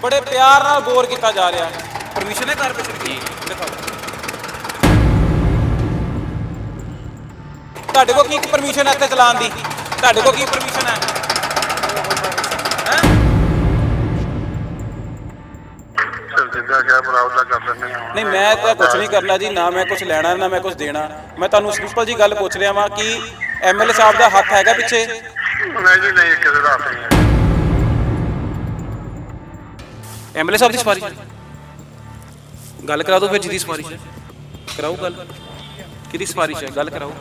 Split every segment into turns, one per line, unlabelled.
बड़े प्यार नाल बोर किया जा रहा है। परमिशन है कारपोरेशन की? दिखाओ ਤੁਹਾਡੇ ਕੋਲ ਕੀ ਪਰਮਿਸ਼ਨ ਹੈ ਇੱਥੇ ਚਲਾਉਣ ਦੀ? ਤੁਹਾਡੇ ਕੋਲ ਕੀ ਪਰਮਿਸ਼ਨ ਹੈ? नहीं मैं तो कुछ नहीं करना जी, ना मैं कुछ लेना ना मैं कुछ देना। मैं तुहानू सिंपल जी गल पूछ रहा वां कि MLA साहब का हक हैगा पिछे?
नहीं जी नहीं, किसी का हक नहीं है।
MLA साहब की सिफारिश गल करा दो फिर, जिहदी सिफारिश है कराओ गल। किहदी सिफारिश है, गल कराओ।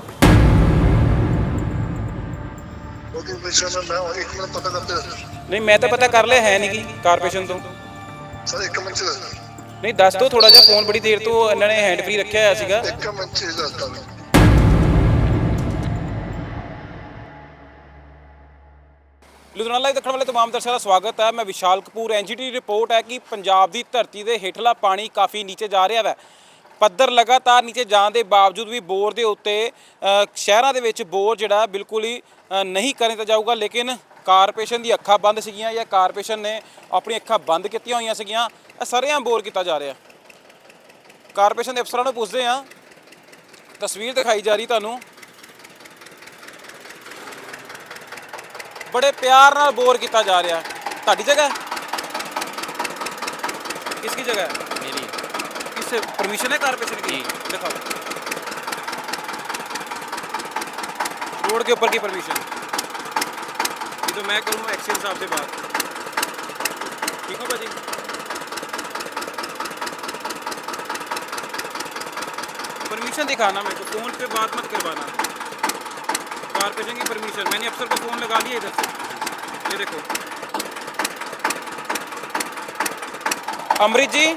नहीं मैं तो पता कर लिया है नहीं कि कारपोरेशन तो
सर एक मिनट
नहीं दस दो थोड़ा जिहा, फोन बड़ी देर तो इन्होंने हैंड फ्री रखा होया सीगा।
एक मिनट दसदा मैं।
लुधियाना लाइव देखने वाले तमाम दर्शकों का स्वागत है। मैं विशाल कपूर। NGT रिपोर्ट है कि पंजाब की धरती के हेठला पानी काफ़ी नीचे जा रहा है। पद्धर लगातार नीचे जाने के बावजूद भी बोर के उत्ते शहरों के बोर जोड़ा बिल्कुल ही नहीं करने तो जाऊगा, लेकिन कारपोरेशन की अखा बंद सीगियां या कारपोरेशन ने अपनी अखा बंद कीतियां होईयां सीगियां। सरेआम बोर किया जा रहा। कारपोरेशन के अफसरों को पूछते हैं, तस्वीर दिखाई जा रही तुहानू, बड़े प्यार नाल बोर किया जा रहा। तुहाडी जगह किसकी जगह है? मेरी। किस परमिशन है कारपोरेशन की? दिखाओ रोड के ऊपर की परमिशन। ये तो मैं करूँगा एक्शन साहब से बात। ठीक हो भाजी? परमिशन दिखाना मेरे को, फ़ोन पे बात मत करवाना। कारपोरेशन की परमिशन, मैंने अफसर को फ़ोन लगा लिया इधर से। ये देखो अमृत जी,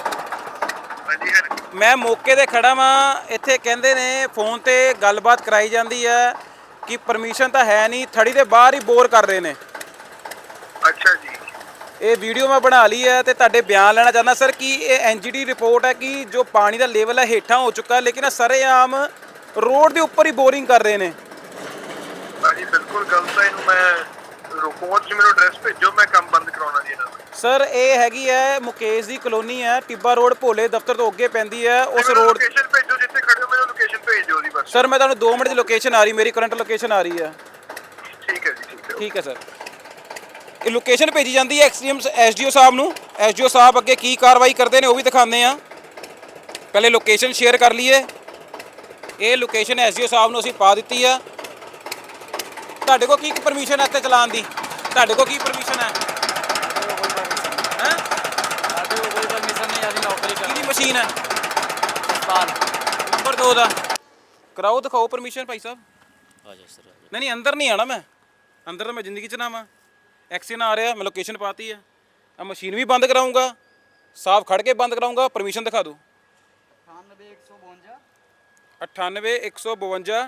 मैं मौके ते खड़ा वां। इत्थे कहंदे ने फोन ते गलबात कराई जाती है कि परमिशन तो है नहीं, थड़ी के बाहर ही बोर कर रहे हैं।
अच्छा जी,
ये वीडियो मैं बना ली है तो तुहाडे बयान लेना चाहना सर कि ये NGT रिपोर्ट है कि जो पानी का लेवल है हेठा हो चुका है, लेकिन सरेआम रोड के ऊपर ही बोरिंग कर रहे हैं।
जी बिल्कुल गलत है। इनू मैं रिपोर्ट च मेरे एड्रेस भेजो, मैं काम बंद कराउणा जी इन्हां दा।
सर ये हैगी है मुकेश की कॉलोनी है, टिब्बा रोड भोले दफ्तर तो अगे पैंदी है। उस रोड
लोकेशन भेजो जिथे खड़े हो, मेरे लोकेशन भेज दिओ दी बस।
सर मैं तुहानू 2 मिनट की लोकेशन आ रही, मेरी करंट लोकेशन आ रही है।
ठीक है जी,
ठीक है सर। ये लोकेशन भेजी जाती है SDO साहब नू। SDO साहब अगे की कार्रवाई करते हैं वो भी दिखाते हैं। पहले लोकेशन शेयर कर लीए। ये लोकेशन SDO साहब नू असीं पा दी है। तुहाडे कोल की परमिशन है इत्थे चलाउण दी? तुहाडे कोल की परमिशन है? किहदी मशीन है? नंबर 2 का कराओ, दिखाओ परमिशन भाई साहब। नहीं नहीं अंदर नहीं आना, मैं अंदर तो मैं जिंदगी च ना आवां। एक्शन आ रहा, मैं लोकेशन पाती है। अब मशीन भी बंद कराऊंगा, साफ खड़ के बंद कराऊंगा। परमिशन दिखा दो। 98 152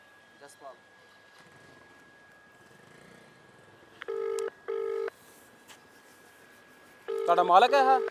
ਤੁਹਾਡਾ ਮਾਲਕ ਹੈ? ਹਾਂ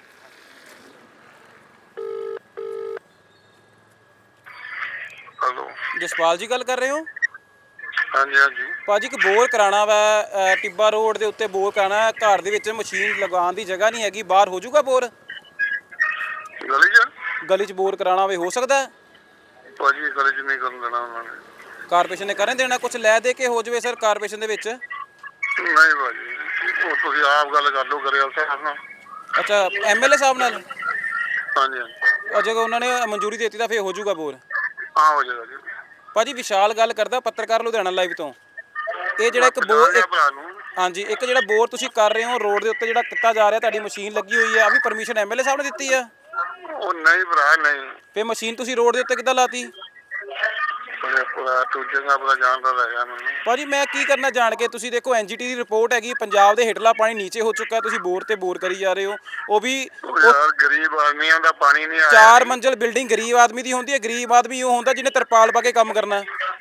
हेलो
ਜਸਪਾਲ ਜੀ ਗੱਲ ਕਰ ਰਹੇ ਹੋ?
हाँ जी हाँ जी।
ਭਾਜੀ ਇੱਕ ਬੋਰ ਕਰਾਉਣਾ ਵਾ ਟਿੱਬਾ ਰੋਡ ਦੇ ਉੱਤੇ ਬੋਰ ਕਰਾਉਣਾ। ਘਰ ਦੇ ਵਿੱਚ ਮਸ਼ੀਨ ਲਗਾਉਣ ਦੀ ਜਗ੍ਹਾ ਨਹੀਂ ਹੈਗੀ, ਬਾਹਰ ਹੋ ਜਾਊਗਾ ਬੋਰ?
गली च
ਗਲੀ 'ਚ ਬੋਰ ਕਰਾਉਣਾ ਹੋਵੇ ਹੋ ਸਕਦਾ ਹੈ?
भाजी गली च नहीं करन देना उन्होंने।
ਕਾਰਪੋਰੇਸ਼ਨ ਨੇ ਕਰਨ ਦੇਣਾ? ਕੁਝ ਲੈ ਦੇ ਕੇ ਹੋ ਜਾਵੇ ਸਰ ਕਾਰਪੋਰੇਸ਼ਨ ਦੇ ਵਿੱਚ।
नहीं भाजी वो तुसीं आप गल कर लो करेल साहब नाल।
ਅੱਛਾ MLA ਸਾਹਿਬ ਨਾਲ?
हाँ जी हाँ जी,
ਜੇ ਉਹਨਾਂ ਨੇ ਮਨਜ਼ੂਰੀ ਦੇ ਦਿੱਤੀ ਤਾਂ ਫਿਰ ਹੋ ਜਾਊਗਾ ਬੋਰ।
हाँ हो जाएगा जी।
ਭਾਜੀ ਵਿਸ਼ਾਲ ਗੱਲ ਕਰਦਾ, ਪੱਤਰਕਾਰ ਲੁਧਿਆਣਾ ਲਾਈਵ ਤੋਂ। ਇਹ ਜਿਹੜਾ ਇੱਕ ਬੋਰ,
भरा नूं
ਹਾਂਜੀ ਇੱਕ ਜਿਹੜਾ ਬੋਰ ਤੁਸੀਂ ਕਰ ਰਹੇ ਹੋ ਰੋਡ ਦੇ ਉੱਤੇ ਜਿਹੜਾ ਕੀਤਾ ਜਾ ਰਿਹਾ, ਤੁਹਾਡੀ ਮਸ਼ੀਨ ਲੱਗੀ ਹੋਈ ਹੈ, ਆ ਵੀ ਪਰਮਿਸ਼ਨ MLA ਸਾਹਿਬ ਨੇ ਦਿੱਤੀ ਆ?
ਉਹ ਨਹੀਂ ਭਰਾ ਨਹੀਂ।
ਫਿਰ ਮਸ਼ੀਨ ਤੁਸੀਂ ਰੋਡ ਦੇ ਉੱਤੇ ਕਿੱਦਾਂ ਲਾਤੀ?
ਪੂਰਾ ਦੂਜੇ ਦਾ ਪਤਾ ਜਾਣਦਾ ਹੈਗਾ ਮੈਨੂੰ।
ਭਾਜੀ ਮੈਂ ਕੀ ਕਰਨਾ ਜਾਣ ਕੇ? ਤੁਸੀਂ ਦੇਖੋ NGT ਦੀ ਰਿਪੋਰਟ ਹੈਗੀ, ਪੰਜਾਬ ਦੇ ਹੇਠਲਾ ਪਾਣੀ ਨੀਚੇ ਹੋ ਚੁੱਕਾ, ਤੁਸੀਂ ਬੋਰ ਤੇ ਬੋਰ ਕਰੀ ਜਾ ਰਹੇ ਹੋ। ਉਹ ਵੀ
ਯਾਰ ਗਰੀਬ ਆਦਮੀਆਂ ਦਾ ਪਾਣੀ ਨਹੀਂ ਆਇਆ।
4 ਮੰਜ਼ਿਲ ਬਿਲਡਿੰਗ ਗਰੀਬ ਆਦਮੀ ਦੀ ਹੁੰਦੀ ਹੈ। ਗਰੀਬ ਆਦਮੀ ਉਹ ਹੁੰਦਾ ਜਿਹਨੇ ਤਰਪਾਲ ਪਾ ਕੇ ਕੰਮ ਕਰਨਾ।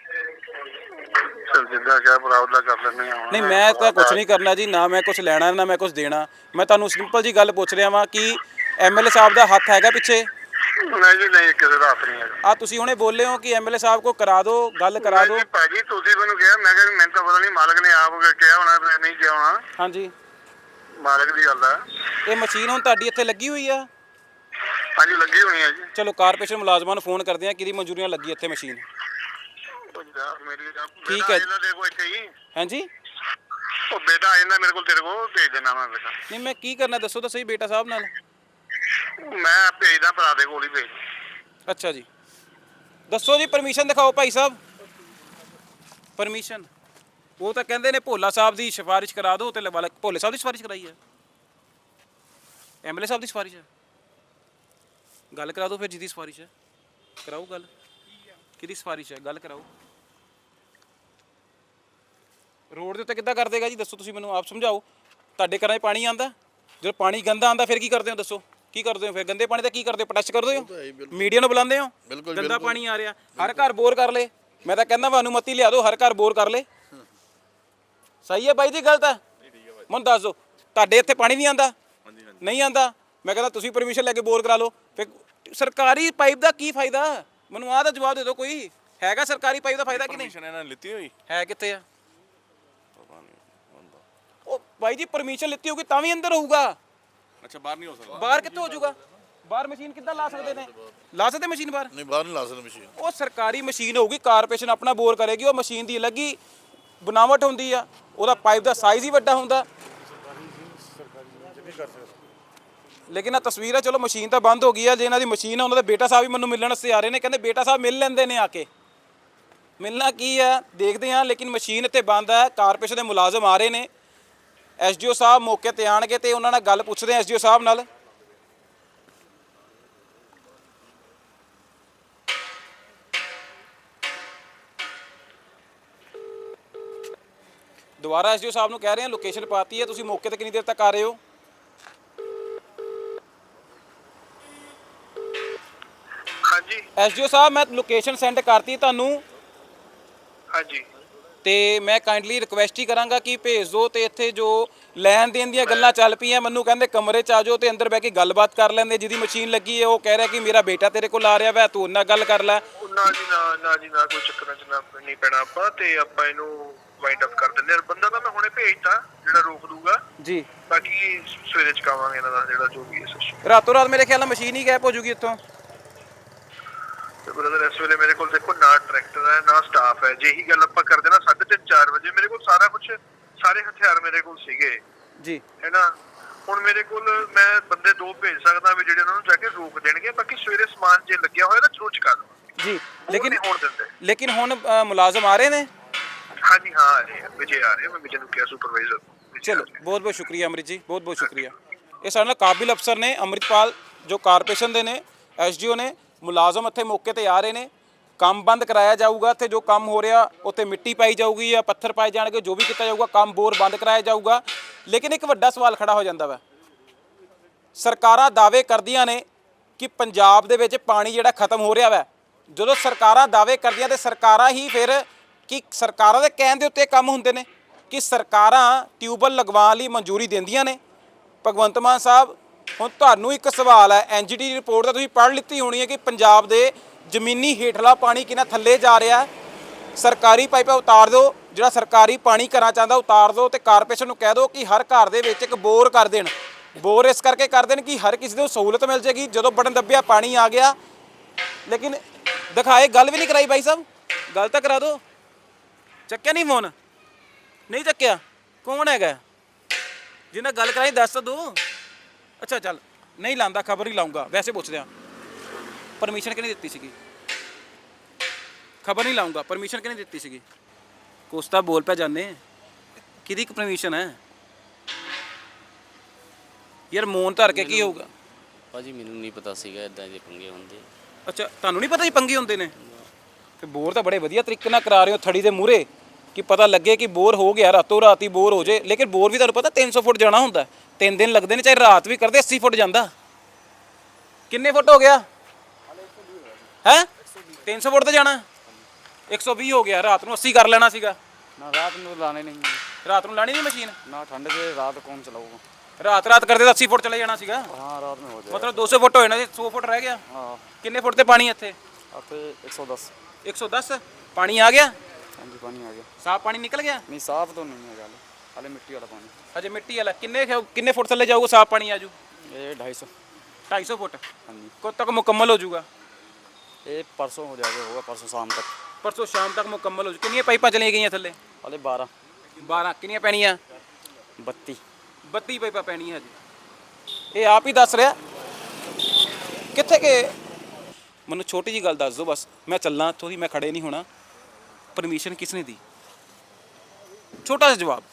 ਚਲ ਜਿੱਦਾਂ ਕਿਹਾ ਭਰਾ ਉਹਦਾ ਕਰ ਲੈਂਦੇ ਹਾਂ।
ਨਹੀਂ ਮੈਂ ਤਾਂ ਕੁਝ ਨਹੀਂ ਕਰਨਾ ਜੀ, ਨਾ ਮੈਂ ਕੁਝ ਲੈਣਾ ਨਾ ਮੈਂ ਕੁਝ ਦੇਣਾ। ਮੈਂ ਤੁਹਾਨੂੰ ਸਿੰਪਲ ਜੀ ਗੱਲ ਪੁੱਛ ਰਿਹਾ ਵਾਂ ਕਿ MLA ਸਾਹਿਬ ਦਾ ਹੱਥ ਹੈਗਾ ਪਿੱਛੇ?
ਨਹੀਂ ਜੀ ਨਹੀਂ, ਕਿਸੇ ਦਾ ਹੱਥ ਨਹੀਂ ਹੈਗਾ।
ਆ ਤੁਸੀਂ ਹੁਣੇ ਬੋਲੇ ਹੋ ਕਿ MLA ਸਾਹਿਬ ਕੋ ਕਰਾ ਦਿਓ, ਗੱਲ ਕਰਾ ਦਿਓ।
ਭਾਜੀ ਤੁਸੀਂ ਮੈਨੂੰ ਕਿਹਾ, ਮੈਂ ਕਿਹਾ ਮੈਨੂੰ ਤਾਂ ਪਤਾ ਨਹੀਂ, ਮਾਲਕ ਨੇ ਆਪ ਕਿਹਾ ਹੋਣਾ, ਨਹੀਂ ਕਿਹਾ ਹੋਣਾ।
ਹਾਂਜੀ
ਮਾਲਕ ਦੀ ਗੱਲ ਆ।
ਇਹ ਮਸ਼ੀਨ ਹੁਣ ਤੁਹਾਡੀ ਇੱਥੇ ਲੱਗੀ ਹੋਈ ਆ?
ਹਾਂਜੀ ਲੱਗੀ ਹੋਣੀ ਆ ਜੀ।
ਚਲੋ ਕਾਰਪੋਰੇਸ਼ਨ ਮੁਲਾਜ਼ਮਾਂ ਨੂੰ ਫੋਨ ਕਰਦੇ ਆ ਕਿਹਦੀ ਮਨਜ਼ੂਰੀਆਂ ਲੱਗੀ ਇੱਥੇ ਮਸ਼ੀਨ। ਠੀਕ ਹੈ।
ਇਹਨਾਂ ਦੇ ਕੋਈ ਕਹੀ
ਹਾਂਜੀ
ਉਹ ਬੇਟਾ ਆ ਜਾਂਦਾ ਮੇਰੇ ਕੋਲ, ਤੇਰੇ ਕੋਲ ਭੇਜ ਦੇਣਾ ਮੈਂ ਬੇਟਾ।
ਨਹੀਂ ਮੈਂ ਕੀ ਕਰਨਾ ਦੱਸੋ ਤਾਂ ਸਹੀ ਬੇਟਾ ਸਾਹਿਬ ਨਾਲ।
ਮੈਂ ਭੇਜਦਾ ਭਰਾ ਦੇ ਕੋਲ ਹੀ ਭੇਜ।
ਅੱਛਾ ਜੀ ਦੱਸੋ ਜੀ, ਪਰਮਿਸ਼ਨ ਦਿਖਾਓ ਭਾਈ ਸਾਹਿਬ। ਪਰਮਿਸ਼ਨ ਉਹ ਤਾਂ ਕਹਿੰਦੇ ਨੇ ਭੋਲਾ ਸਾਹਿਬ ਦੀ ਸਿਫਾਰਿਸ਼ ਕਰਾ ਦਿਓ ਤੇ ਲਵਾ। ਭੋਲੇ ਸਾਹਿਬ ਦੀ ਸਿਫਾਰਿਸ਼ ਕਰਾਈ ਹੈ? ਐਮਐਲਏ ਸਾਹਿਬ ਦੀ ਸਿਫਾਰਿਸ਼ ਹੈ? ਗੱਲ ਕਰਾ ਦਿਓ ਫਿਰ ਜਿਹਦੀ ਸਿਫਾਰਿਸ਼ ਹੈ ਕਰਾਓ ਗੱਲ। ਕਿਹਦੀ ਸਿਫਾਰਿਸ਼ ਹੈ ਗੱਲ ਕਰਾਓ। ਰੋਡ ਦੇ ਉੱਤੇ ਕਿੱਦਾਂ ਕਰ ਦੇਗਾ ਜੀ ਦੱਸੋ ਤੁਸੀਂ ਮੈਨੂੰ ਆਪ ਸਮਝਾਓ। ਤੁਹਾਡੇ ਘਰਾਂ 'ਚ ਪਾਣੀ ਆਉਂਦਾ, ਜਦੋਂ ਪਾਣੀ ਗੰਦਾ ਆਉਂਦਾ ਫਿਰ ਕੀ ਕਰਦੇ ਹੋ ਦੱਸੋ? ਕੀ ਕਰਦੇ ਹੋ ਫਿਰ ਗੰਦੇ ਪਾਣੀ ਦਾ? ਕੀ ਕਰਦੇ ਹੋ? ਪ੍ਰੋਟੈਸਟ ਕਰਦੇ ਹੋ? ਮੀਡੀਆ ਨੂੰ ਬੁਲਾਉਂਦੇ ਹੋ? ਗੰਦਾ ਪਾਣੀ ਆ ਰਿਹਾ, ਹਰ ਘਰ ਬੋਰ ਕਰ ਲੇ। ਮੈਂ ਤਾਂ ਕਹਿੰਦਾ ਵਾ ਅਨੁਮਤੀ ਲਿਆ ਦਿਓ, ਹਰ ਘਰ ਬੋਰ ਕਰ ਲੇ। ਸਹੀ ਹੈ ਬਾਈ ਜੀ ਗਲਤ ਹੈ? ਮੈਨੂੰ ਦੱਸ ਦਿਓ ਤੁਹਾਡੇ ਇੱਥੇ ਪਾਣੀ ਨਹੀਂ ਆਉਂਦਾ? ਨਹੀਂ ਆਉਂਦਾ। ਮੈਂ ਕਹਿੰਦਾ ਤੁਸੀਂ ਪਰਮਿਸ਼ਨ ਲੈ ਕੇ ਬੋਰ ਕਰਾ ਲਓ। ਫਿਰ ਸਰਕਾਰੀ ਪਾਈਪ ਦਾ ਕੀ ਫਾਇਦਾ? ਮੈਨੂੰ ਆਹ ਦਾ ਜਵਾਬ ਦੇ ਦਿਓ। ਕੋਈ ਹੈਗਾ ਸਰਕਾਰੀ ਪਾਈਪ ਦਾ ਫਾਇਦਾ ਕਿ ਨਹੀਂ?
ਪਰਮਿਸ਼ਨ ਇਹਨਾਂ ਨੇ ਲਿੱਤੀ ਹੋਈ
ਹੈ ਕਿੱਥੇ ਆ? ਉਹ ਬਾਈ ਜੀ ਪਰਮਿਸ਼ਨ ਲਿੱਤੀ ਹੋਊਗੀ ਤਾਂ ਵੀ ਅੰਦਰ ਹੋਊਗਾ।
ਅੱਛਾ ਬਾਹਰ ਨਹੀਂ ਹੋ ਸਕਦਾ?
ਬਾਹਰ ਕਿੱਥੋਂ ਹੋ ਜਾਊਗਾ? ਬਾਹਰ ਮਸ਼ੀਨ ਕਿੱਦਾਂ ਲਾ ਸਕਦੇ ਨੇ? ਲਾ ਸਕਦੇ ਮਸ਼ੀਨ ਬਾਹਰ?
ਨਹੀਂ ਬਾਹਰ ਨਹੀਂ ਲਾ ਸਕਦੇ ਮਸ਼ੀਨ।
ਉਹ ਸਰਕਾਰੀ ਮਸ਼ੀਨ ਹੋਊਗੀ, ਕਾਰਪੋਰੇਸ਼ਨ ਆਪਣਾ ਬੋਰ ਕਰੇਗੀ। ਉਹ ਮਸ਼ੀਨ ਦੀ ਅਲੱਗ ਹੀ ਬਣਾਵਟ ਹੁੰਦੀ ਆ, ਉਹਦਾ ਪਾਈਪ ਦਾ ਸਾਈਜ਼ ਹੀ ਵੱਡਾ ਹੁੰਦਾ। ਲੇਕਿਨ ਆ ਤਸਵੀਰ ਆ, ਚਲੋ ਮਸ਼ੀਨ ਤਾਂ ਬੰਦ ਹੋ ਗਈ ਆ। ਜੇ ਇਹਨਾਂ ਦੀ ਮਸ਼ੀਨ ਆ, ਉਹਨਾਂ ਦੇ ਬੇਟਾ ਸਾਹਿਬ ਵੀ ਮੈਨੂੰ ਮਿਲਣ ਵਾਸਤੇ ਆ ਰਹੇ ਨੇ। ਕਹਿੰਦੇ ਬੇਟਾ ਸਾਹਿਬ ਮਿਲ ਲੈਂਦੇ ਨੇ ਆ ਕੇ। ਮਿਲਣਾ ਕੀ ਆ ਦੇਖਦੇ ਹਾਂ। ਲੇਕਿਨ ਮਸ਼ੀਨ ਇੱਥੇ ਬੰਦ ਹੈ। ਕਾਰਪੋਰੇਸ਼ਨ ਦੇ ਮੁਲਾਜ਼ਮ ਆ ਰਹੇ ਨੇ। ਐਸਡੀਓ ਸਾਹਿਬ ਮੌਕੇ ਤੇ ਆਣਗੇ ਤੇ ਉਹਨਾਂ ਨਾਲ ਗੱਲ ਪੁੱਛਦੇ ਆ ਐਸਡੀਓ ਸਾਹਿਬ ਨਾਲ। ਦੁਬਾਰਾ ਐਸਡੀਓ ਸਾਹਿਬ ਨੂੰ ਕਹਿ ਰਹੇ ਹਾਂ ਲੋਕੇਸ਼ਨ ਪਾਤੀ ਹੈ, ਤੁਸੀਂ ਮੌਕੇ ਤੇ ਕਿੰਨੀ ਦੇਰ ਤੱਕ ਆ ਰਹੇ ਹੋ?
ਹਾਂਜੀ
ਐਸਡੀਓ ਸਾਹਿਬ ਮੈਂ ਲੋਕੇਸ਼ਨ ਸੈਂਡ ਕਰਤੀ ਤੁਹਾਨੂੰ
ਹਾਂਜੀ
ਤੇ ਮੈਂ ਕਾਈਂਡਲੀ ਰਿਕੁਐਸਟ ਹੀ ਕਰਾਂਗਾ ਕਿ ਭੇਜ ਦਿਓ। ਤੇ ਇੱਥੇ ਜੋ ਲੈਣ ਦੇਣ ਦੀਆਂ ਗੱਲਾਂ ਚੱਲ ਪਈਆਂ, ਮੈਨੂੰ ਕਹਿੰਦੇ ਕਮਰੇ 'ਚ ਆ ਜਾਓ ਤੇ ਅੰਦਰ ਬਹਿ ਕੇ ਗੱਲਬਾਤ ਕਰ ਲੈਂਦੇ। ਜਿਹਦੀ ਮਸ਼ੀਨ ਲੱਗੀ ਹੈ ਉਹ ਕਹਿ ਰਿਹਾ ਕਿ ਮੇਰਾ ਬੇਟਾ ਤੇਰੇ ਕੋਲ ਆ ਰਿਹਾ ਵਾ, ਤੂੰ ਉਹਨਾਂ ਗੱਲ ਕਰ ਲੈ।
ਨਾ ਜੀ ਨਾ ਜੀ ਨਾ, ਕੋਈ ਚੱਕਰਾਂ 'ਚ ਨਾ ਨਹੀਂ ਪੈਣਾ ਆਪਾਂ। ਤੇ ਆਪਾਂ ਇਹਨੂੰ ਵਾਈਂਡ ਅਪ ਕਰ ਦਿੰਦੇ ਹਾਂ। ਬੰਦਾ ਤਾਂ ਮੈਂ ਹੁਣੇ ਭੇਜਤਾ ਜਿਹੜਾ ਰੋਕ ਦੂਗਾ
ਜੀ।
ਬਾਕੀ ਸਵੇਰੇ ਚਕਾਵਾਂਗੇ ਇਹਨਾਂ ਦਾ ਜਿਹੜਾ ਜੋ ਵੀ ਹੈ ਸਿਸਟਮ।
ਰਾਤੋਂ ਰਾਤ ਮੇਰੇ ਖਿਆਲ ਨਾਲ ਮਸ਼ੀਨ ਹੀ ਗਾਇਬ ਹੋ ਜੂਗੀ ਇੱਥੋਂ।
ਤੇ ਬ੍ਰਦਰ ਇਸ ਵੇਲੇ ਮੇਰੇ ਕੋਲ ਦੇਖੋ ਨਾ ਟਰੈਕਟਰ ਹੈ ਨਾ ਸਟਾਫ ਹੈ। ਜੇ ਇਹੀ ਗੱਲ ਆਪਾਂ ਕਰਦੇ ਨਾ 3:30 4 ਵਜੇ ਮੇਰੇ ਕੋਲ ਸਾਰਾ ਕੁਝ, ਸਾਰੇ ਹਥਿਆਰ ਮੇਰੇ ਕੋਲ ਸੀਗੇ
ਜੀ,
ਹੈ ਨਾ। ਹੁਣ ਮੇਰੇ ਕੋਲ ਮੈਂ ਬੰਦੇ 2 ਭੇਜ ਸਕਦਾ ਵੀ ਜਿਹੜੇ ਉਹਨਾਂ ਨੂੰ ਜਾ ਕੇ ਰੋਕ ਦੇਣਗੇ। ਬਾਕੀ ਸਵੇਰੇ ਸਮਾਨ ਜੇ ਲੱਗਿਆ ਹੋਇਆ ਤਾਂ ਜ਼ਰੂਰ ਚੁਕਾ ਦਵਾਂਗੇ
ਜੀ।
ਲੇਕਿਨ
ਹੁਣ ਮੁਲਾਜ਼ਮ ਆ ਰਹੇ ਨੇ?
ਹਾਂਜੀ ਹਾਂ ਆ ਰਹੇ ਆ, ਵਿਜੇ ਆ ਰਹੇ ਆ। ਮੈਂ ਵਿਜੇ ਨੂੰ ਕਿਹਾ ਸੁਪਰਵਾਈਜ਼ਰ।
ਚਲੋ ਬਹੁਤ ਬਹੁਤ ਸ਼ੁਕਰੀਆ ਅਮਰਿਤ ਜੀ, ਬਹੁਤ ਬਹੁਤ ਸ਼ੁਕਰੀਆ। ਇਹ ਸਾਡੇ ਨਾਲ ਕਾਬਿਲ ਅਫਸਰ ਨੇ ਅੰਮ੍ਰਿਤਪਾਲ, ਜੋ ਕਾਰਪੋਰੇਸ਼ਨ ਦੇ ਨੇ, ਐਸਡੀਓ ਨੇ। ਮੁਲਾਜ਼ਮ ਇੱਥੇ ਮੌਕੇ ਤੇ ਆ ਰਹੇ ਨੇ। ਕੰਮ ਬੰਦ ਕਰਾਇਆ ਜਾਊਗਾ। ਇੱਥੇ ਜੋ ਕੰਮ ਹੋ ਰਿਹਾ ਉੱਥੇ ਮਿੱਟੀ ਪਾਈ ਜਾਊਗੀ ਜਾਂ ਪੱਥਰ ਪਾਏ ਜਾਣਗੇ, ਜੋ ਵੀ ਕੀਤਾ ਜਾਊਗਾ। ਕੰਮ ਬੋਰ ਬੰਦ ਕਰਾਇਆ ਜਾਊਗਾ। ਲੇਕਿਨ ਇੱਕ ਵੱਡਾ ਸਵਾਲ ਖੜਾ ਹੋ ਜਾਂਦਾ ਵਾ। ਸਰਕਾਰਾਂ ਦਾਅਵੇ ਕਰਦੀਆਂ ਨੇ ਕਿ ਪੰਜਾਬ ਦੇ ਵਿੱਚ ਪਾਣੀ ਜਿਹੜਾ ਖਤਮ ਹੋ ਰਿਹਾ ਵਾ। ਜਦੋਂ ਸਰਕਾਰਾਂ ਦਾਅਵੇ ਕਰਦੀਆਂ ਤੇ ਸਰਕਾਰਾਂ ਹੀ ਫਿਰ ਕਿ ਸਰਕਾਰਾਂ ਦੇ ਕਹਿਣ ਦੇ ਉੱਤੇ ਕੰਮ ਹੁੰਦੇ ਨੇ ਕਿ ਸਰਕਾਰਾਂ ਟਿਊਬਵੈੱਲ ਲਗਵਾਉਣ ਲਈ ਮਨਜ਼ੂਰੀ ਦਿੰਦੀਆਂ ਨੇ। ਭਗਵੰਤ ਮਾਨ ਸਾਹਿਬ, ਹੁਣ ਤੁਹਾਨੂੰ ਇੱਕ ਸਵਾਲ ਹੈ। ਐਨਜੀਟੀ ਦੀ ਰਿਪੋਰਟ ਤਾਂ ਤੁਸੀਂ ਪੜ੍ਹ ਲਿੱਤੀ ਹੋਣੀ ਹੈ ਕਿ ਪੰਜਾਬ ਦੇ ਜ਼ਮੀਨੀ ਹੇਠਲਾ ਪਾਣੀ ਕਿੰਨਾ ਥੱਲੇ ਜਾ ਰਿਹਾ। ਸਰਕਾਰੀ ਪਾਈਪਾਂ ਉਤਾਰ ਦਿਓ, ਜਿਹੜਾ ਸਰਕਾਰੀ ਪਾਣੀ ਘਰਾਂ ਚਾਹੁੰਦਾ ਉਤਾਰ ਦਿਓ ਤੇ ਕਾਰਪੋਰੇਸ਼ਨ ਨੂੰ ਕਹਿ ਦਿਓ ਕਿ ਹਰ ਘਰ ਦੇ ਵਿੱਚ ਇੱਕ ਬੋਰ ਕਰ ਦੇਣ। ਬੋਰ ਇਸ ਕਰਕੇ ਕਰ ਦੇਣ ਕਿ ਹਰ ਕਿਸੇ ਨੂੰ ਸਹੂਲਤ ਮਿਲ ਜਾਏਗੀ। ਜਦੋਂ ਬਟਨ ਦੱਬਿਆ ਪਾਣੀ ਆ ਗਿਆ। ਲੇਕਿਨ ਦਿਖਾਏ ਗੱਲ ਵੀ ਨਹੀਂ ਕਰਾਈ ਬਾਈ ਸਾਹਿਬ। ਗੱਲ ਤਾਂ ਕਰਾ ਦਿਓ। ਚੱਕਿਆ ਨਹੀਂ ਫੋਨ? ਨਹੀਂ ਚੱਕਿਆ। ਕੌਣ ਹੈਗਾ ਜਿਹਨਾਂ ਗੱਲ ਕਰਾਈ? ਦੱਸ ਤਾਂ ਦਿਓ। ਅੱਛਾ ਚੱਲ ਨਹੀਂ ਲਾਉਂਦਾ, ਖਬਰ ਹੀ ਲਾਉਂਗਾ। ਵੈਸੇ ਪੁੱਛਦੇ ਆ ਪਰਮਿਸ਼ਨ ਕਿਹਨੇ ਦਿੱਤੀ ਸੀਗੀ? ਖਬਰ ਨਹੀਂ ਲਾਉਂਗਾ। ਪਰਮਿਸ਼ਨ ਕਿਹਨੇ ਦਿੱਤੀ ਸੀਗੀ? ਕੁਛ ਤਾਂ ਬੋਲ ਪਿਆ ਜਾਨੇ। ਕਿਹਦੀ ਪਰਮਿਸ਼ਨ ਹੈ ਯਾਰ? ਮੌਨ ਧਰ ਕੇ ਕੀ ਹੋਊਗਾ?
ਭਾਜੀ ਮੈਨੂੰ ਨਹੀਂ ਪਤਾ ਸੀਗਾ ਇਦਾਂ ਦੇ ਪੰਗੇ ਹੁੰਦੇ।
ਅੱਛਾ ਤੁਹਾਨੂੰ ਨਹੀਂ ਪਤਾ ਜੀ ਪੰਗੇ ਹੁੰਦੇ ਨੇ? ਤੇ ਬੋਰ ਤਾਂ ਬੜੇ ਵਧੀਆ ਤਰੀਕੇ ਨਾਲ ਕਰਾ ਰਹੇ ਹੋ ਥੜੀ ਦੇ ਮੂਹਰੇ ਕਿ ਪਤਾ ਲੱਗੇ ਕਿ ਬੋਰ ਹੋ ਗਿਆ, ਰਾਤੋਂ ਰਾਤ ਹੀ ਬੋਰ ਹੋ ਜੇ। ਲੇਕਿਨ ਬੋਰ ਵੀ ਤੁਹਾਨੂੰ ਪਤਾ 300 ਫੁੱਟ ਜਾਣਾ ਹੁੰਦਾ। 3 ਦਿਨ ਲੱਗਦੇ ਨੇ, ਚਾਹੇ ਰਾਤ ਵੀ ਕਰਦੇ 80 ਫੁੱਟ ਜਾਂਦਾ। ਕਿੰਨੇ ਫੁੱਟ ਹੋ ਗਿਆ ਹੈ? 300 ਫੁੱਟ ਤੇ ਜਾਣਾ, 120 ਹੋ ਗਿਆ। ਰਾਤ ਨੂੰ 80 ਕਰ ਲੈਣਾ ਸੀਗਾ
ਨਾ। रात में तो लाने नहीं है
ਰਾਤ ਨੂੰ ਲਾਣੀ ਨਹੀਂ ਮਸ਼ੀਨ।
ना, ठंड से रात कौन चलाऊगा।
ਰਾਤ ਰਾਤ ਕਰਦੇ ਤਾਂ 80 ਫੁੱਟ ਚਲੇ ਜਾਣਾ ਸੀਗਾ।
हाँ रात में हो जाए।
ਮਤਲਬ 200 ਫੁੱਟ ਹੋਏ ਨਾ, 100 ਫੁੱਟ ਰਹਿ ਗਿਆ।
हाँ
ਕਿੰਨੇ ਫੁੱਟ ਤੇ ਪਾਣੀ ਇੱਥੇ?
अब तो 110।
110 ਪਾਣੀ ਆ ਗਿਆ।
हाँ जी पानी आ गया।
ਸਾਫ ਪਾਣੀ ਨਿਕਲ ਗਿਆ।
नहीं साफ तो नहीं है गल। ਹਾਲੇ ਮਿੱਟੀ ਵਾਲਾ ਪਾਣੀ।
ਹਜੇ ਮਿੱਟੀ ਵਾਲਾ ਕਿੰਨੇ ਫੁੱਟ ਥੱਲੇ ਜਾਊਗਾ ਸਾਫ਼ ਪਾਣੀ ਆਜੂ?
ਇਹ 250।
250 ਫੁੱਟ
ਹਾਂਜੀ।
ਕਦੋਂ ਤੱਕ ਮੁਕੰਮਲ ਹੋ ਜਾਊਗਾ?
ਇਹ ਪਰਸੋਂ ਹੋ ਜਾਏਗਾ, ਹੋਗਾ ਪਰਸੋਂ ਸ਼ਾਮ ਤੱਕ।
ਪਰਸੋਂ ਸ਼ਾਮ ਤੱਕ ਮੁਕੰਮਲ ਹੋ ਜੂ। ਕਿੰਨੀਆਂ ਪਾਈਪਾਂ ਚਲੀਆਂ ਗਈਆਂ ਥੱਲੇ?
ਹਾਲੇ 12।
12 ਕਿੰਨੀਆਂ ਪੈਣੀਆਂ?
32।
32 ਪਾਈਪਾਂ ਪੈਣੀਆਂ ਹਜੇ। ਇਹ ਆਪ ਹੀ ਦੱਸ ਰਿਹਾ ਕਿੱਥੇ ਕਿ ਮੈਨੂੰ ਛੋਟੀ ਜੀ ਗੱਲ ਦੱਸ ਦਿਓ ਬਸ, ਮੈਂ ਚੱਲਾਂ ਇੱਥੋਂ ਦੀ, ਮੈਂ ਖੜੇ ਨਹੀਂ ਹੋਣਾ। ਪਰਮਿਸ਼ਨ ਕਿਸ ਨੇ ਦੀ? ਛੋਟਾ ਜਿਹਾ ਜਵਾਬ।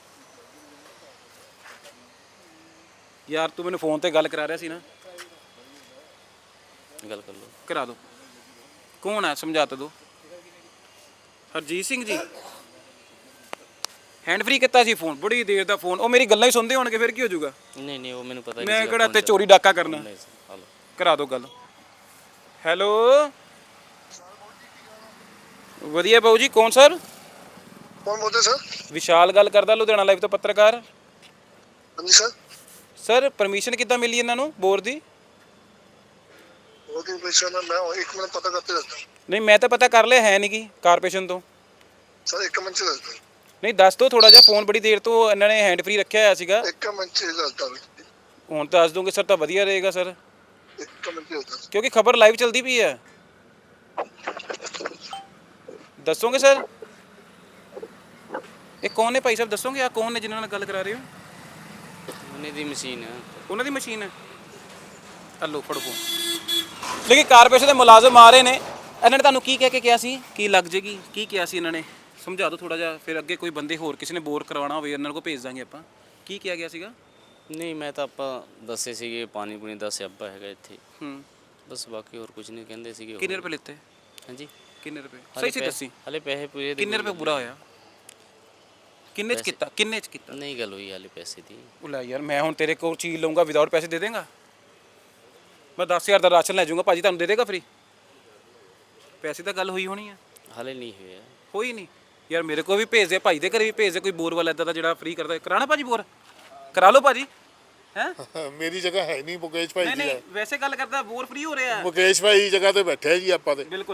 ਯਾਰ ਤੂੰ ਮੈਨੂੰ ਫੋਨ ਤੇ ਗੱਲ ਕਰਾ ਰਿਹਾ ਸੀ ਨਾ,
ਗੱਲ ਕਰ ਲਓ।
ਕਰਾ ਦਿਓ। ਕੌਣ ਹੈ ਸਮਝਾ ਤਾਂ ਦਿਓ। ਹਰਜੀਤ ਸਿੰਘ ਜੀ ਹੈਂਡ ਫ੍ਰੀ ਕੀਤਾ ਸੀ ਫੋਨ, ਬੜੀ ਦੇਰ ਦਾ ਫੋਨ। ਉਹ ਮੇਰੀ ਗੱਲਾਂ ਹੀ ਸੁਣਦੇ ਹੋਣਗੇ, ਫਿਰ ਕੀ ਹੋ ਜਾਊਗਾ?
ਨਹੀਂ ਉਹ ਮੈਨੂੰ ਪਤਾ ਨਹੀਂ
ਮੈਂ
ਸੀਗਾ
ਕਿਹੜਾ
ਕੌਣ
ਤੇ
ਚੱਲ-
ਚੋਰੀ ਡਾਕਾ ਕਰਨਾ।
ਨਹੀਂ ਸਰ, ਹਲੋ।
ਕਰਾ ਦਿਓ ਗੱਲ। ਹੈਲੋ ਵਧੀਆ ਬਾਊ ਜੀ, ਕੌਣ ਸਰ?
ਕੌਣ ਬੋਲਦੇ ਸਰ?
ਵਿਸ਼ਾਲ ਗੱਲ ਕਰਦਾ, ਲੁਧਿਆਣਾ ਲਾਈਵ ਤੋਂ ਪੱਤਰਕਾਰ।
ਹਾਂਜੀ ਸਰ।
ਸਰ ਪਰਮਿਸ਼ਨ ਕਿੱਦਾਂ ਮਿਲੀ ਇਹਨਾਂ ਨੂੰ ਬੋਰ ਦੀ?
ਉਹਦੀ ਪੈਸਾ ਨਾ ਮੈਂ 1 ਮਿੰਟ ਪਤਾ ਕਰਤੇ ਦੱਸਦਾ।
ਨਹੀਂ ਮੈਂ ਤਾਂ ਪਤਾ ਕਰ ਲਿਆ, ਹੈ ਨਹੀਂ ਗੀ ਕਾਰਪੋਰੇਸ਼ਨ ਤੋਂ।
ਸਰ 1 ਮਿੰਟ ਚ ਦੱਸਦਾ।
ਨਹੀਂ ਦੱਸ ਦਿਓ ਥੋੜਾ ਜਿਹਾ, ਫੋਨ ਬੜੀ ਦੇਰ ਤੋਂ ਇਹਨਾਂ ਨੇ ਹੈਂਡ ਫ੍ਰੀ ਰੱਖਿਆ ਹੋਇਆ ਸੀਗਾ।
1 ਮਿੰਟ ਚ ਦੱਸਦਾ।
ਹੁਣ ਤਾਂ ਦੱਸ ਦੋਗੇ ਸਰ ਤਾਂ ਵਧੀਆ ਰਹੇਗਾ ਸਰ,
1 ਮਿੰਟ ਚ ਦੱਸਦਾ।
ਕਿਉਂਕਿ ਖਬਰ ਲਾਈਵ ਚੱਲਦੀ ਪਈ ਹੈ। ਦੱਸੋਗੇ ਸਰ? ਇਹ ਕੌਣ ਨੇ ਭਾਈ ਸਾਹਿਬ, ਦੱਸੋਗੇ ਆ ਕੌਣ ਨੇ ਜਿਨ੍ਹਾਂ ਨਾਲ ਗੱਲ ਕਰਾ ਰਹੇ ਹੋ?
ਉਹਨੇ ਦੀ ਮਸ਼ੀਨ ਹੈ।
ਉਹਨਾਂ ਦੀ ਮਸ਼ੀਨ ਹੈ। ਹਲੋ ਫੜੋ ਫੋਨ। ਲੇਕਿਨ ਕਾਰਪੋਰੇਸ਼ਨ ਦੇ ਮੁਲਾਜ਼ਮ ਆ ਰਹੇ ਨੇ, ਇਹਨਾਂ ਨੇ ਤੁਹਾਨੂੰ ਕੀ ਕਹਿ ਕੇ ਕਿਹਾ ਸੀ? ਕੀ ਲੱਗ ਜੇਗੀ? ਕੀ ਕਿਹਾ ਸੀ ਇਹਨਾਂ ਨੇ? ਸਮਝਾ ਦਿਓ ਥੋੜਾ ਜਿਹਾ, ਫਿਰ ਅੱਗੇ ਕੋਈ ਬੰਦੇ ਹੋਰ ਕਿਸੇ ਨੇ ਬੋਰ ਕਰਵਾਉਣਾ ਹੋਵੇ ਇਹਨਾਂ ਕੋਲ ਭੇਜ ਦਾਂਗੇ ਆਪਾਂ। ਕੀ ਕਿਹਾ ਗਿਆ ਸੀਗਾ?
ਨਹੀਂ ਮੈਂ ਤਾਂ ਆਪਾਂ ਦੱਸੇ ਸੀਗੇ ਪਾਣੀ ਪੂਣੀ ਦਾ ਸਿਆਪਾ ਹੈਗਾ ਇੱਥੇ, ਬਸ ਬਾਕੀ ਹੋਰ ਕੁਝ ਨਹੀਂ ਕਹਿੰਦੇ ਸੀਗੇ।
ਕਿੰਨੇ ਰੁਪਏ ਲਿੱਤੇ?
ਹਾਂਜੀ
ਕਿੰਨੇ ਰੁਪਏ? ਸਹੀ ਸਹੀ ਦੱਸੀ।
ਹਲੇ ਪੈਸੇ ਪੂਰੇ
ਕਿੰਨੇ ਰੁਪਏ ਪੂਰਾ ਹੋਇਆ? ਕਿੰਨੇ ਚ ਕੀਤਾ? ਕਿੰਨੇ ਚ ਕੀਤਾ?
ਨਹੀਂ ਗੱਲ ਹੋਈ ਹਲੇ ਪੈਸੇ ਦੀ।
ਉਹ ਲੈ ਯਾਰ, ਮੈਂ ਹੁਣ ਤੇਰੇ ਕੋਲ ਚੀਜ਼ ਲਊਂਗਾ ਵਿਦਆਊਟ ਪੈਸੇ ਦੇ ਦੇਂਗਾ? ਮੈਂ 10,000 ਦਾ ਰਾਸ਼ਨ ਲੈ ਜਾਊਂਗਾ, ਭਾਜੀ ਤੁਹਾਨੂੰ ਦੇ ਦੇਗਾ ਫ੍ਰੀ? ਪੈਸੇ ਤਾਂ ਗੱਲ ਹੋਈ ਹੋਣੀ ਆ।
ਹਲੇ ਨਹੀਂ ਹੋਇਆ।
ਹੋਈ ਨਹੀਂ ਯਾਰ, ਮੇਰੇ ਕੋਲ ਵੀ ਭੇਜ ਦੇ, ਭਾਈ ਦੇ ਘਰੇ ਵੀ ਭੇਜ ਦੇ ਕੋਈ ਬੋਰ ਵਾਲਾ ਇੱਦਾਂ ਦਾ ਜਿਹੜਾ ਫ੍ਰੀ ਕਰਦਾ। ਕਰਾਣਾ ਭਾਜੀ ਬੋਰ? ਕਰਾ ਲਓ ਭਾਜੀ। ਹੈ
ਮੇਰੀ ਜਗ੍ਹਾ ਹੈ ਨਹੀਂ, ਮੁਕੇਸ਼ ਭਾਈ
ਨਹੀਂ
ਦੀ
ਨਹੀਂ
ਹੈ।
ਵੈਸੇ ਗੱਲ ਕਰਦਾ, ਬੋਰ ਫ੍ਰੀ ਹੋ ਰਿਹਾ ਹੈ।
ਮੁਕੇਸ਼ ਭਾਈ ਦੀ ਜਗ੍ਹਾ ਤੇ ਬੈਠੇ ਜੀ ਆਪਾਂ ਤੇ।
ਬਿਲਕੁਲ।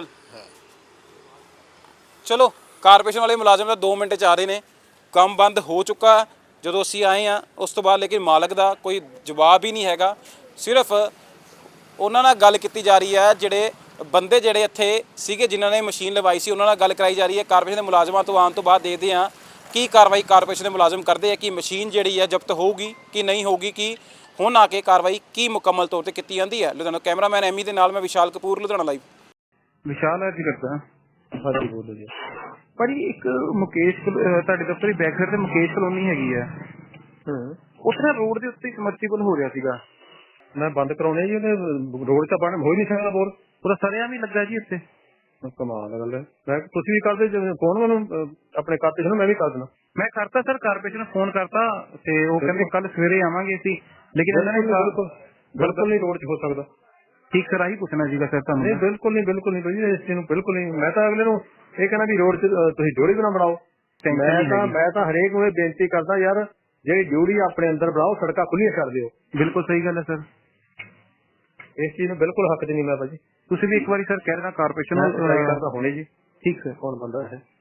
ਚਲੋ ਕਾਰਪੋਰੇਸ਼ਨ ਵਾਲੇ ਮੁਲਾਜ਼ਮ ਤਾਂ 2 ਮਿੰਟ ਚ ਆ ਰਹੇ ਨੇ। ਕੰਮ ਬੰਦ ਹੋ ਚੁੱਕਾ ਜਦੋਂ ਅਸੀਂ ਆਏ ਆ, ਉਸ ਤੋਂ ਬਾਅਦ ਲੇਕਿਨ ਮਾਲਕ ਦਾ ਕੋਈ ਜਵਾਬ ਹੀ ਨਹੀਂ ਹੈਗਾ। ਸਿਰਫ ਉਹਨਾਂ ਨਾਲ ਗੱਲ ਕੀਤੀ ਜਾ ਰਹੀ ਹੈ, ਜਿਹੜੇ ਬੰਦੇ ਜਿਹੜੇ ਇੱਥੇ ਸੀਗੇ ਜਿਨ੍ਹਾਂ ਨੇ ਮਸ਼ੀਨ ਲਵਾਈ ਸੀ, ਉਹਨਾਂ ਨਾਲ ਗੱਲ ਕਰਾਈ ਜਾ ਰਹੀ ਹੈ। ਕਾਰਪੋਰੇਸ਼ਨ ਦੇ ਮੁਲਾਜ਼ਮਾਂ ਤੋਂ ਆਉਣ ਤੋਂ ਬਾਅਦ ਦੇਖਦੇ ਹਾਂ ਕੀ ਕਾਰਵਾਈ ਕਾਰਪੋਰੇਸ਼ਨ ਦੇ ਮੁਲਾਜ਼ਮ ਕਰਦੇ ਆ, ਕਿ ਮਸ਼ੀਨ ਜਿਹੜੀ ਹੈ ਜ਼ਬਤ ਹੋਊਗੀ ਕਿ ਨਹੀਂ ਹੋਊਗੀ, ਕਿ ਹੁਣ ਆ ਕੇ ਕਾਰਵਾਈ ਕੀ ਮੁਕੰਮਲ ਤੌਰ ਤੇ ਕੀਤੀ ਜਾਂਦੀ ਹੈ। ਲੁਧਿਆਣਾ ਕੈਮਰਾਮੈਨ ਐਮੀ ਦੇ ਨਾਲ ਮੈਂ ਵਿਸ਼ਾਲ ਕਪੂਰ, ਲੁਧਿਆਣਾ ਲਾਈਵ।
ਵਿਸ਼ਾਲ ਹੈ ਜੀ ਕਰਦਾ। ਹਾਂਜੀ ਬੋਲੋ ਜੀ ਭਾਜੀ। ਇੱਕ ਮੁਕੇਸ਼ ਤੁਹਾਡੇ ਦਫ਼ਤਰ ਦੀ ਬੈਕ ਸਾਈਡ ਤੇ ਮੁਕੇਸ਼ ਕਲੋਨੀ ਹੈਗੀ ਆ, ਉੱਥੇ ਰੋਡ ਦੇ ਉੱਤੇ ਸਮਰਸੀਬਲ ਹੋ ਰਿਹਾ ਸੀਗਾ। ਮੈਂ ਬੰਦ ਕਰਾਉਣੇ ਜੀ, ਉਹਨੇ ਰੋਡ ਤਾਂ ਬਣ ਹੋ ਹੀ ਨਹੀਂ ਸਕਦਾ ਬੋਰ, ਪੂਰਾ ਸਰਿਆ ਵੀ ਲੱਗਾ ਜੀ ਇੱਥੇ। ਕਮਾਲ ਦਾ ਗੱਲ ਹੈ। ਮੈਂ ਤੁਸੀਂ ਵੀ ਕਰਦੇ ਫੋਨ ਮੈਨੂੰ ਆਪਣੇ ਕਾਰਪੋਰੇਸ਼ਨ ਨੂੰ, ਮੈਂ ਵੀ ਕਰ ਦੇਣਾ। ਮੈਂ ਕਰਤਾ ਸਰ, ਕਾਰਪੋਰੇਸ਼ਨ ਨੂੰ ਫੋਨ ਕਰਤਾ ਤੇ ਉਹ ਕਹਿੰਦੇ ਕੱਲ ਸਵੇਰੇ ਆਵਾਂਗੇ ਅਸੀਂ, ਲੇਕਿਨ ਇਹਨਾਂ ਨੇ ਬਿਲਕੁਲ ਨਹੀਂ ਰੋਡ 'ਚ ਹੋ ਸਕਦਾ। ਠੀਕ ਸਰ, ਆਹੀ ਪੁੱਛਣਾ ਸੀਗਾ ਸਰ ਤੁਹਾਨੂੰ। ਨਹੀਂ ਬਿਲਕੁਲ ਨਹੀਂ, ਬਿਲਕੁਲ ਨਹੀਂ ਭਾਜੀ, ਇਸ ਚੀਜ਼ ਨੂੰ ਬਿਲਕੁਲ ਨਹੀਂ। ਮੈਂ ਤਾਂ ਅਗਲੇ ਨੂੰ ਇਹ ਕਹਿੰਦਾ ਵੀ ਰੋਡ 'ਚ ਤੁਸੀਂ ਜੋੜੀ ਬਣਾ ਬਣਾਓ। ਮੈਂ ਤਾਂ ਹਰੇਕ ਨੂੰ ਇਹ ਬੇਨਤੀ ਕਰਦਾ ਯਾਰ, ਜਿਹੜੀ ਡਿਊਟੀ ਆਪਣੇ ਅੰਦਰ ਬਣਾਓ, ਸੜਕਾਂ ਖੁੱਲੀਆਂ ਕਰ ਦਿਓ। ਬਿਲਕੁਲ ਸਹੀ ਗੱਲ ਹੈ ਸਰ, ਇਸ ਚੀਜ਼ ਨੂੰ ਬਿਲਕੁਲ ਹੱਕ 'ਚ ਨਹੀਂ ਮੈਂ ਭਾਜੀ। ਤੁਸੀਂ ਵੀ ਇੱਕ ਵਾਰੀ ਸਰ ਕਹਿ ਦੇਣਾ ਕਾਰਪੋਰੇਸ਼ਨ ਨੂੰ। ਹੁਣੇ ਜੀ। ਠੀਕ ਸਰ, ਕੌਣ ਬੰਦਾ ਹੈ?